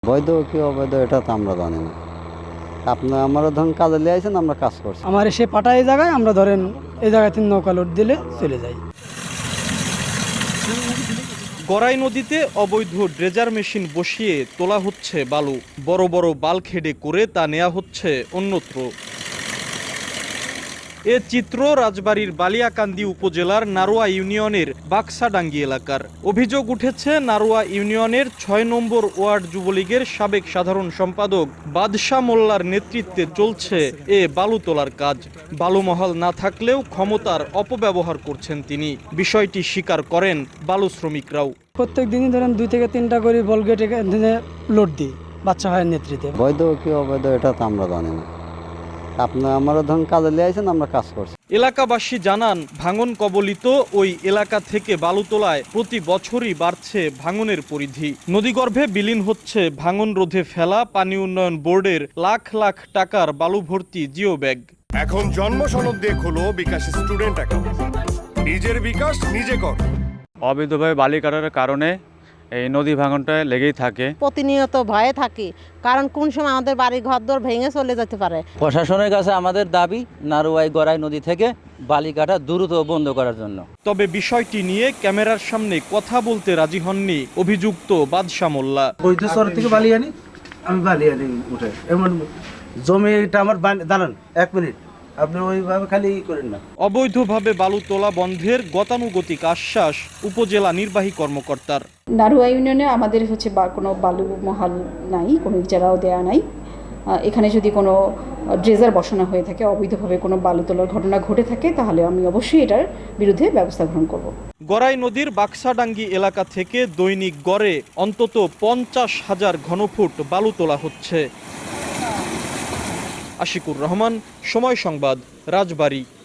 বৈধ কি অবৈধ এটা তো আমরা জানি না। আপনার আমরা ধরুন কাজে লিয়ে আইছেন, আমরা কাজ করছি। আমার এসে পাঠায় এই জায়গায়, আমরা ধরেন এই জায়গায় 3 নৌকা লোড দিলে চলে যাই। গড়াই নদীতে অবৈধ ড্রেজার মেশিন বসিয়ে তোলা হচ্ছে বালু। বড় বড় বালখেডে করে তা নেওয়া হচ্ছে অন্যত্র। এ চিত্র রাজবাড়ীর বালিয়াকান্দি উপজেলার নারোয়া ইউনিয়নের বাক্সাডাঙ্গি এলাকার। অভিযোগ উঠেছে নারোয়া ইউনিয়নের ৬ নম্বর ওয়ার্ড যুবলীগের সাবেক সাধারণ সম্পাদক বাদশাহ মোল্লার নেতৃত্বে চলছে এ বালু তোলার কাজ। বালুমহল না থাকলেও ক্ষমতার অপব্যবহার করছেন তিনি। বিষয়টি স্বীকার করেন বালু শ্রমিকরাও। প্রত্যেক দিনই ধরেন 2 থেকে 3টা করে বলগেটে লোড দিই বাচ্চা ভাইয়ের নেতৃত্বে। বৈধ কি অবৈধ এটা তো আমরা জানি না। আপনার আমরা ধরুন কাজে লিয়ে আইছেন, আমরা কাজ করছি। এলাকাবাসী জানান, ভাঙন কবলিত ওই এলাকা থেকে বালু তোলায় প্রতি বছরই বাড়ছে ভাঙনের পরিধি। নদীগর্ভে বিলীন হচ্ছে ভাঙন রোধে ফেলা পানি উন্নয়ন বোর্ডের লাখ লাখ টাকার বালু ভর্তি জিও ব্যাগ। এখন জন্ম সনদ দিয়ে খোলো বিকাশ স্টুডেন্ট অ্যাকাউন্ট। নিজের বিকাশ নিজে কর। অবৈধভাবে বালি কাটার কারণে এই নদী ভাঙনটা লেগেই থাকে। প্রতিনিয়ত ভয়ে থাকি, কারণ কোন সময় আমাদের বাড়ি ঘরদোর ভেঙে চলে যেতে পারে। প্রশাসনের কাছে আমাদের দাবি নারোয়াই গড়াই নদী থেকে বালি কাটা দ্রুত বন্ধ করার জন্য। তবে বিষয়টি নিয়ে ক্যামেরার সামনে কথা বলতে রাজি হননি অভিযুক্ত বাদশাহ মোল্লা। বৈধ শহর থেকে বালি আনি, আমি বালি আনি উঠে। এমন জমিটা আমার দাঁড়ান 1 মিনিট, আপনি ওইভাবে খালি করেন না। অবৈধভাবে বালু তোলা বন্ধের গতানুগতিক আশ্বাস উপজেলা নির্বাহী কর্মকর্তার। নারোয়া ইউনিয়নে আমাদের কোনো বালু মহাল নাই, কোনো ইজারাও দেয়া নাই। এখানে যদি কোনো ড্রেজার বসানো হয়ে থাকে, অবৈধভাবে কোনো বালু তোলার ঘটনা ঘটে থাকে, তাহলে আমি অবশ্যই এটার বিরুদ্ধে ব্যবস্থা গ্রহণ করব। গড়াই নদীর বাক্সাডাঙ্গি এলাকা থেকে দৈনিক গড়ে অন্তত 50,000 ঘনফুট বালু তোলা হচ্ছে। আশিকুর রহমান, সময় সংবাদ, রাজবাড়ী।